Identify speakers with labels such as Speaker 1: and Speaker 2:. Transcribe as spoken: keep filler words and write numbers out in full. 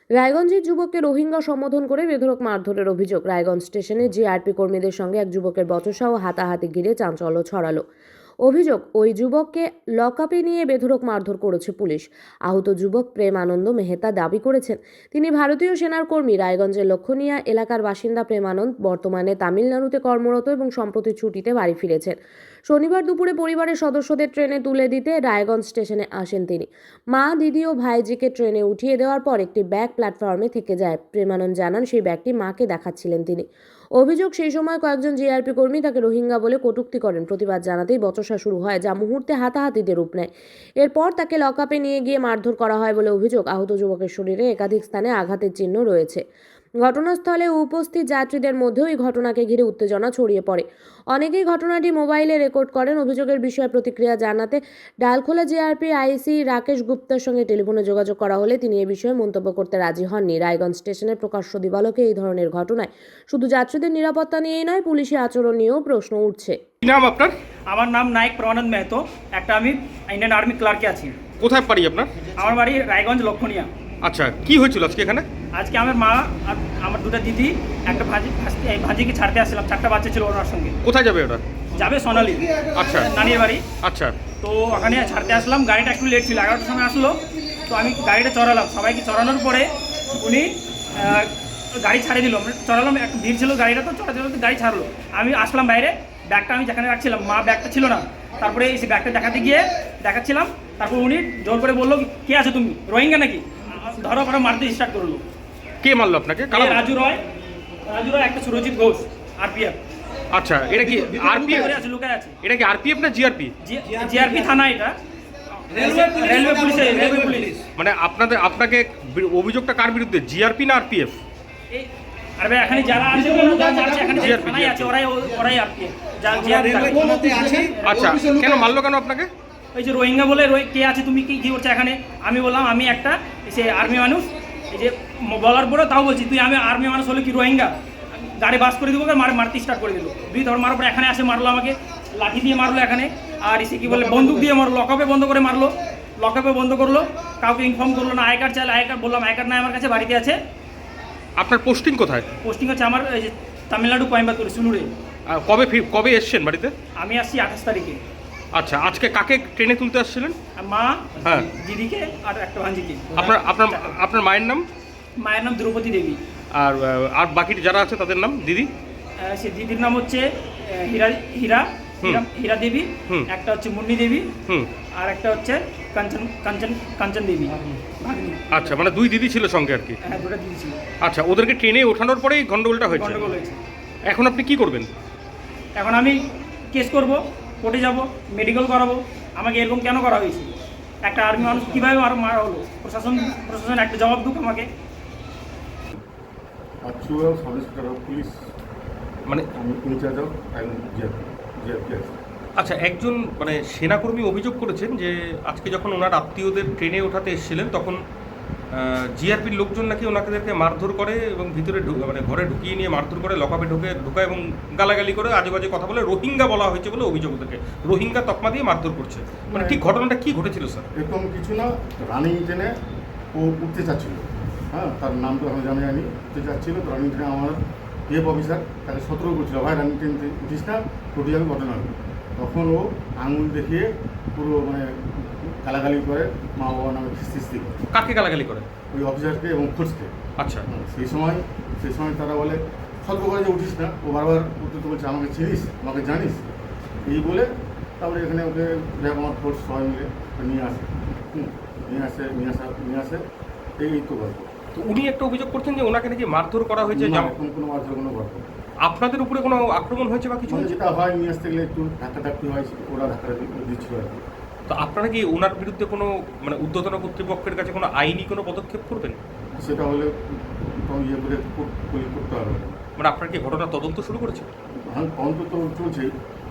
Speaker 1: রায়গঞ্জের যুবককে রোহিঙ্গা সম্বোধন করে বেধড়ক মারধরের অভিযোগ। রায়গঞ্জ স্টেশনে জিআরপি কর্মীদের সঙ্গে এক যুবকের বচসা ও হাতাহাতি ঘিরে চাঞ্চল্য ছড়ালো। অভিযোগ, ওই যুবককে লকআপে নিয়ে বেধড়ক মারধর করেছে পুলিশ। আহত যুবক প্রেম আনন্দ মেহতা দাবি করেছেন তিনি ভারতীয় সেনার কর্মী। রায়গঞ্জের লক্ষণীয়া এলাকার বাসিন্দা প্রেম আনন্দ বর্তমানে তামিলনাড়ুতে কর্মরত এবং সম্প্রতি ছুটিতে বাড়ি ফিরেছেন। শনিবার দুপুরে পরিবারের সদস্যদের ট্রেনে তুলে দিতে রায়গঞ্জ স্টেশনে আসেন তিনি। মা, দিদি ও ভাইজিকে ট্রেনে উঠিয়ে দেওয়ার পর একটি ব্যাগ প্ল্যাটফর্মে থেকে যায়। প্রেমানন্দ জানান সেই ব্যাগটি মাকে দেখাচ্ছিলেন তিনি। অভিযোগ, সেই সময় কয়েকজন জিআরপি কর্মী তাকে রোহিঙ্গা বলে কটূক্তি করেন। প্রতিবাদ জানাতেই বচসা শুরু হয়, যা মুহূর্তে হাতাহাতিতে রূপ নেয়। এরপর তাকে লকআপে নিয়ে গিয়ে মারধর করা হয় বলে অভিযোগ। আহত যুবকের শরীরে একাধিক স্থানে আঘাতের চিহ্ন রয়েছে। ঘটনাস্থলে উপস্থিত যাত্রীদের মধ্যেও এই ঘটনাকে ঘিরে উত্তেজনা ছড়িয়ে পড়ে। অনেকেই ঘটনাটি মোবাইলে রেকর্ড করেন। অভিযোগের বিষয়ে প্রতিক্রিয়া জানাতে ডালখোলা জিআরপি আইসি রাকেশ গুপ্তার সঙ্গে টেলিফোনে যোগাযোগ করা হলে তিনি এ বিষয়ে মন্তব্য করতে রাজি হননি। রায়গঞ্জ স্টেশনের প্রকাশ্য দিবালোকে এই ধরনের ঘটনায় শুধু যাত্রীদের নিরাপত্তা নিয়েই নয়, পুলিশি আচরণ নিয়েও প্রশ্ন উঠছে।
Speaker 2: কি নাম আপনার?
Speaker 3: আমার নাম নায়ক প্রেমানন্দ মেহতো। একটা আমি ইন্ডিয়ান আর্মি ক্লার্কে আছি।
Speaker 2: কোথায় বাড়ি আপনার?
Speaker 3: আমার বাড়ি রায়গঞ্জ লক্ষণীয়া।
Speaker 2: আচ্ছা, কি হয়েছিল আজকে এখানে?
Speaker 3: আজকে আমার মা আর আমার দুটো দিদি একটা ভাজি এই ভাজিকে ছাড়তে আসছিলাম। চারটা বাচ্চা ছিল ওনার সঙ্গে।
Speaker 2: কোথায় যাবে ওরা?
Speaker 3: যাবে সোনালি।
Speaker 2: আচ্ছা,
Speaker 3: নানির বাড়ি।
Speaker 2: আচ্ছা,
Speaker 3: তো ওখানে ছাড়তে আসলাম। গাড়িটা একটু লেট ছিল, এগারোটার সময় আসলো। তো আমি গাড়িটা চড়ালাম। সবাইকে চড়ানোর পরে উনি গাড়ি ছাড়িয়ে দিল। চড়ালাম, একটু ভিড় ছিল গাড়িটা, তো চড়াতে চড়াতে গাড়ি ছাড়লো। আমি আসলাম বাইরে, ব্যাগটা আমি যেখানে রাখছিলাম, মা ব্যাগটা ছিল না। তারপরে এই ব্যাগটা দেখাতে গিয়ে দেখাচ্ছিলাম। তারপর উনি জোর করে বললো, কে আছো তুমি, রোহিঙ্গা নাকি? ধরো করে মারতে স্টার্ট করলো।
Speaker 2: কে মারলো আপনাকে?
Speaker 3: রাজু রয়, রাজু রয়, একটা সুরজিৎ ঘোষ, আরপিএফ।
Speaker 2: আচ্ছা, এটা কি আরপিএফ?
Speaker 3: আছে, লুকায় আছে।
Speaker 2: এটা কি আরপিএফ না জিআরপি?
Speaker 3: জিআরপি থানা, এটা রেলওয়ে পুলিশ। রেলওয়ে পুলিশ
Speaker 2: মানে আপনাদের আপনাকে অভিযোগটা কার বিরুদ্ধে, জিআরপি না আরপিএফ?
Speaker 3: আর ভাই এখানে যারা আছে এখানে যে থানায় আছে ওরাই ওরাই আরপিএফ।
Speaker 2: আচ্ছা, কেন মারলো কেন আপনাকে?
Speaker 3: ওই যে রোহিঙ্গা বলে, কে আছে তুমি, কি কি করছো এখানে? আমি বললাম আমি একটা সে আর্মি মানুষ। এই যে বলার পরে তাও বলছি, তুই আমি আর্মি মানুষ হলে কি রোহিঙ্গা? গাড়ি বাস করে দেবো, মার মারতে স্টার্ট করে দিল। দুই ধর মারার পরে এখানে আসে মারলো আমাকে, লাঠি দিয়ে মারলো এখানে। আর এসে কি বলে বন্দুক দিয়ে মারলো, লকআপে বন্ধ করে মারলো। লকআপে বন্ধ করলো, কাউকে ইনফর্ম করলো না। আই কার্ড চাইলে আই কার্ড, বললাম আই কার্ড নাই আমার কাছে, বাড়িতে আছে।
Speaker 2: আপনার পোস্টিং কোথায়?
Speaker 3: পোস্টিং হচ্ছে আমার এই যে তামিলনাড়ু, কোয়েম্বাতুর, সুলুরে।
Speaker 2: কবে কবে এসছেন বাড়িতে?
Speaker 3: আমি আসছি আঠাশ তারিখে।
Speaker 2: আচ্ছা, আজকে কাকে ট্রেনে তুলতে আসছিলেন?
Speaker 3: মা,
Speaker 2: হ্যাঁ,
Speaker 3: দিদিকে আর একটা ভাঞ্জিকে।
Speaker 2: আপনার আপনার আপনার মায়ের নাম?
Speaker 3: মায়ের নাম দ্রৌপদী দেবী।
Speaker 2: আর আর বাকি যারা আছে তাদের নাম? দিদি?
Speaker 3: সে দিদির নাম হচ্ছে হীরা হীরা হীরা দেবী, একটা হচ্ছে মুন্নি দেবী, আর একটা হচ্ছে কাঞ্চন কাঞ্চন কাঞ্চন দেবী।
Speaker 2: আচ্ছা, মানে দুই দিদি ছিল সঙ্গে আর কি?
Speaker 3: হ্যাঁ, দুটো দিদি ছিল।
Speaker 2: আচ্ছা, ওদেরকে ট্রেনে ওঠানোর পরেই গন্ডগোলটা হয়েছে?
Speaker 3: গন্ডগোল হয়েছে।
Speaker 2: এখন আপনি কি করবেন?
Speaker 3: এখন আমি কেস করব, কোর্টে যাব, মেডিকেল করাবো। আমাকে এরকম কেন করা হয়েছে? একটা আর্মি মানুষ কীভাবে আরও মারা হলো? প্রশাসন প্রশাসন একটা জবাব দুক আমাকে।
Speaker 4: পুলিশ
Speaker 2: মানে
Speaker 4: আমি ইনচার্জ অফ
Speaker 2: আচ্ছা, একজন মানে সেনাকর্মী অভিযোগ করেছেন যে আজকে যখন ওনার আত্মীয়দের ট্রেনে ওঠাতে এসেছিলেন তখন জিআরপির লোকজন নাকি ওনাদেরকে মারধর করে এবং ভিতরে মানে ঘরে ঢুকিয়ে নিয়ে মারধর করে, লকআপে ঢুকে ঢুকায় এবং গালাগালি করে, আজে বাজে কথা বলে রোহিঙ্গা বলা হয়েছে বলে অভিযোগ থেকে রোহিঙ্গা তকমা দিয়ে মারধর করছে। মানে ঠিক ঘটনাটা কি ঘটেছিল স্যার?
Speaker 4: এরকম কিছু না, রানিং ট্রেনে ও উঠতে চাচ্ছিল। হ্যাঁ, তার নাম তো আমি জানি জানি উঠতে চাচ্ছিল। তো রানিং ট্রেনে আমার এফ অফিসার তাকে সতর্ক করছিল, ভাই রানিং ট্রেন উঠিস না, উঠে যাবে ঘটনা। তখন ও আঙুল দেখিয়ে পুরো মানে গালাগালি করে, মা বাবার নামে খিস্তি করে।
Speaker 2: কাকে গালাগালি করে?
Speaker 4: ওই অফিসারকে এবং খোঁজকে।
Speaker 2: আচ্ছা,
Speaker 4: সেই সময় সেই সময় তারা বলে সতর্ক করে যে উঠিস না। ও বারবার উঠতে তো বলছে, আমাকে চিনিস, আমাকে জানিস, এই বলে তারপরে এখানে ওকে আমার ফোর্স সবাই মিলে নিয়ে আসে। হুম নিয়ে আসে নিয়ে আসা নিয়ে আসে এই তো গল্প।
Speaker 2: তো উনি একটা অভিযোগ করছেন যে ওনাকে নাকি মারধর করা হয়েছে।
Speaker 4: কোনো কোনো মারধর কোনো গল্প।
Speaker 2: আপনাদের উপরে কোনো আক্রমণ হয়েছে বা কিছু?
Speaker 4: যেটা হয় নিয়ে আসতে গেলে একটু ধাক্কা ধাক্কি হয়, ওরা ধাক্কা দিচ্ছিল আর কি।
Speaker 2: তো আপনারা কি ওনার বিরুদ্ধে কোনো মানে ঊর্ধ্বতন কর্তৃপক্ষের কাছে কোনো আইনি কোনো পদক্ষেপ করবেন?
Speaker 4: সেটা হলে ইয়ে করে করতে হবে।
Speaker 2: মানে আপনার কি ঘটনা তদন্ত শুরু করেছে?
Speaker 4: হ্যাঁ, তদন্ত তো চলছেই।